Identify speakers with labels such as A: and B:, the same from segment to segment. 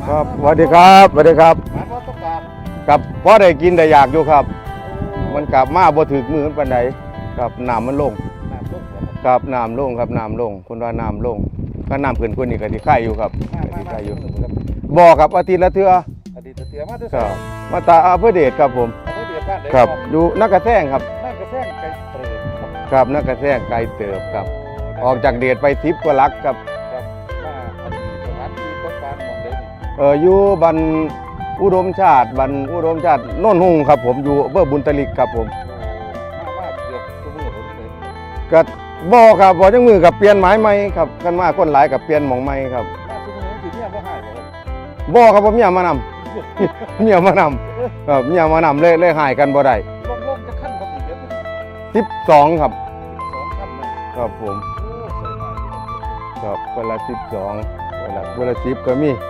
A: ครับสวัสดีครับสวัสดีครับ
B: หมายว่าต้องการ
A: กับพอได้กินได้อยากอยู่ครับมันกลับมาบ่ถึกมือปานใดครับน้ำมันลง
B: น้ำลง
A: ครับน้ำลงครับน้ำลงคนว่าน้ำลงก็น้ำขึ้นคนนี้ก็สิไข่อยู่ครับสิไข่อยู่บ่ครับอาทิตย์ละเทื่อ
B: อดีตเสียมาด้วย
A: ครับมาตาอำเภอเดชครับผม
B: อำเภอเดียบ้านใด
A: ครับอยู่นักกระแซงครับ
B: นั่นกระแซงไก่เตย
A: ครับนักกระแซงไกลเติบครับออกจากเดชไป10 กว่าลักครับ
B: ครับมาอดีตสถานที่ต้องการมองได้นี่
A: อยู่บันอุดมชาติบันอุดมชาติโน่นหุ่งครับผมอยู่อำเภอบุญตลิกครับผม
B: มาเกือบทุกมื้อผมเลย
A: ก็บ่ครับบ่จังมือกับเปลี่ยนหมายใหม่ครับกันมาคนหลายกับเปลี่ยนหม่องใหม่ครับ
B: มาทุกมื้อสิเนี่ยบ่หายบ่
A: บ่ครับผมเมียมานำ เมียมานำครับเมียมานำเลยหายกันบ่ได้
B: ลงจะขั้นครับอีกเดือน
A: 12ครับ
B: 2ขั้น
A: ครับผม
B: โอ้ใส่มา
A: ครับคนละ12คนละ10ก็มี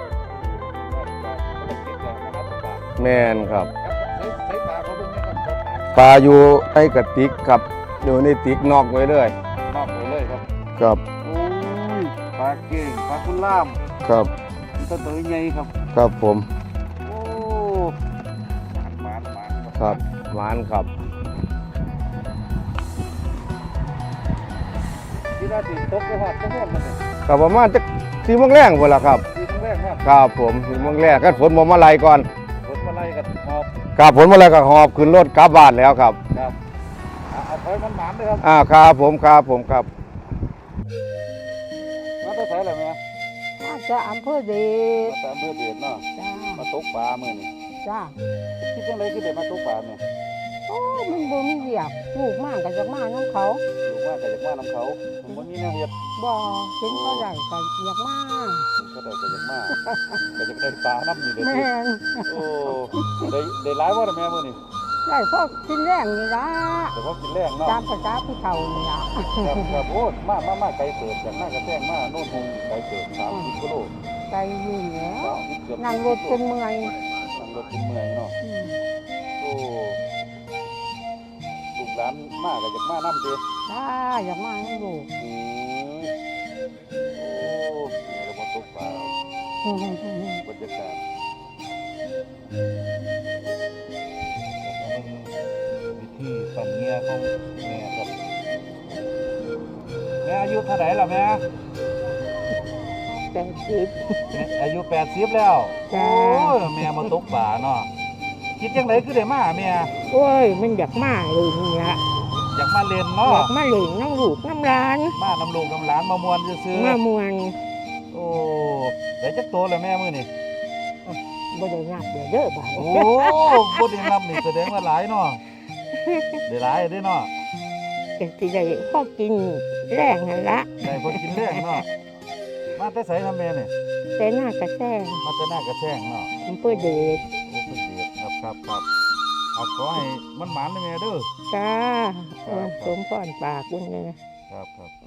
A: แม่นครับ
B: ใส่ปลาเขาเบิ่งนะครับ
A: ปลาอยู่ในกระติกครับอยู่ในติกนอกไว้เลย
B: นอกไปเลยครับ
A: ครับ
B: โอ้ยปลาเก่งปลาคุณล่าม
A: ครับ
B: ต้นตัวใหญ่ครับ
A: ครับผม
B: โอ้หมาน
A: ครับหวานครับ
B: ที่ราศีตกไปหอดก็หอดมันเลย
A: ครับประมาณจัก4 โมงแรงพุ่นล่ะครับ
B: 4 โมงแรกครับ
A: ครับผม4 โมงแรกก็ฝนบ่มาไล่ก่อน
B: ฝนมาไล่กันหอบ
A: ครับฝนมาไล่ก็หอบขึ้นรถกลับบ้านแล้วครับ
B: ครับเอาถอยมันหมานเลยครับ
A: ครับผมครับมา
B: ต้องใส่อะไรไหม
C: มาจากอำเภอเดช
B: มาตามเพื่อเดือดเนาะ
C: จ้า
B: มาตกปลาเมื่อนี่
C: จ้า
B: คิดยังไงคือเด็ดมาตกปลาเนี่ย
C: โอ้ยมันบ่มีเวียกลูกมากกับจากมาน้องเขา
B: อยู่มากแต่จากมาน้ำเขาผมว่ามีแนวเห็ด
C: บ่เห็นเขาใหญ่กับอยากมา
B: ก็ได้จากมาแต่จากได้ปลาน้ำนี่เด็ด
C: แม่น
B: โอ้ได้หลายว่าแม่เมื่อนี่
C: ได้พวกกินแรงนี่ละ
B: แต่พอกินแรงเนาะ
C: ตามภาษาผู้เฒ่านี่ละ
B: ครับโอ้มาไกลเติบจากหน้ากระแทงมาโน่นหงไกลเติบ30 กิโล
C: ไกลอยู่แล้ว
B: นั่
C: นั่งรถจนเมื่อย
B: นั่งรถจนเมื่อยเนาะโอ้ลูกหลานมากกับจากมาน้ำเด้
C: จ้าอยากมาให้ลูก
B: โอ้เนี่ยเรามาตกปลาบรรยากาศวิธีปั่นเงี้ยของแม่ครับแม่อายุเท่าไหร่ล่ะแม่
C: 80
B: อายุ80แล้วโอ้แม่มาตกปลาเนาะคิดจังไดคือได้มาแม่
C: โอ้ยมันอยากมาเลยนี่ละ
B: อยากมาเล่นเนาะ
C: อยากมาเล่นน้ำลูกน้ำร้าน
B: มาน้ำลูกน้ำหลานมามวนซื้อ
C: มามวน
B: โอ้ได้จักโตแล้วแม่มื้อนี่
C: บ่ได้นับเด้อบ่า
B: โอ้บ่ได้นับนี่แสดงว่าหลายเนาะได้หลายเด้อเนาะ
C: สิได้พอกินแรงหั่นละ
B: ได้พอกินแรงเนาะมาแต่ไสนำแม่นี่
C: แต่หน้ากระแซง
B: มาแต่หน้ากระแซงเนาะ
C: อำเภอเดช
B: อำเภอเดชครับเอาขอให้มันหมานได้แม่เด้อ
C: จ้าสมพรปากบุญเลย
B: ครับ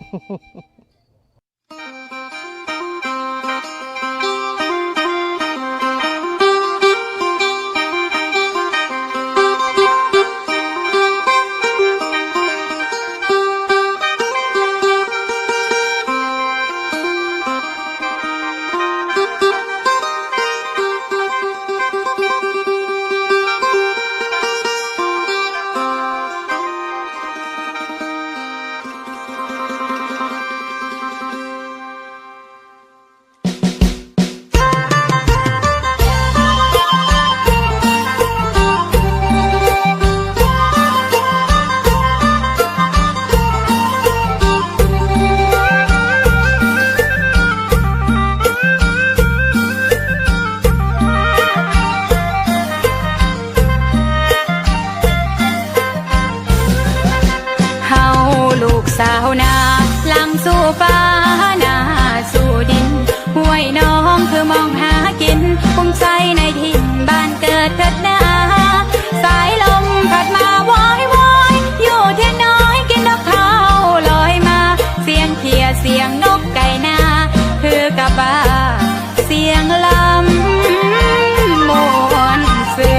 D: สาวนาหลังสู่ฟ้านาสู่ดินห้วยน้องคือมองหากินภูมิใจในถิ่นบ้านเกิดเถิดนาสายลมพัดมาว้อยอยู่เที่ยงน้อยกินดอกข้าวลอยมาเสียงเขียเสียงนกไก่นาคือกับบ้าเสียงลำมวนซื่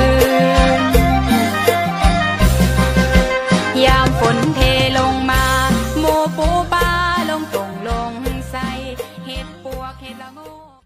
D: นยามฝนเทลงมาปูปลาลงตรงลงใส่เห็ดปวกเห็ดละโง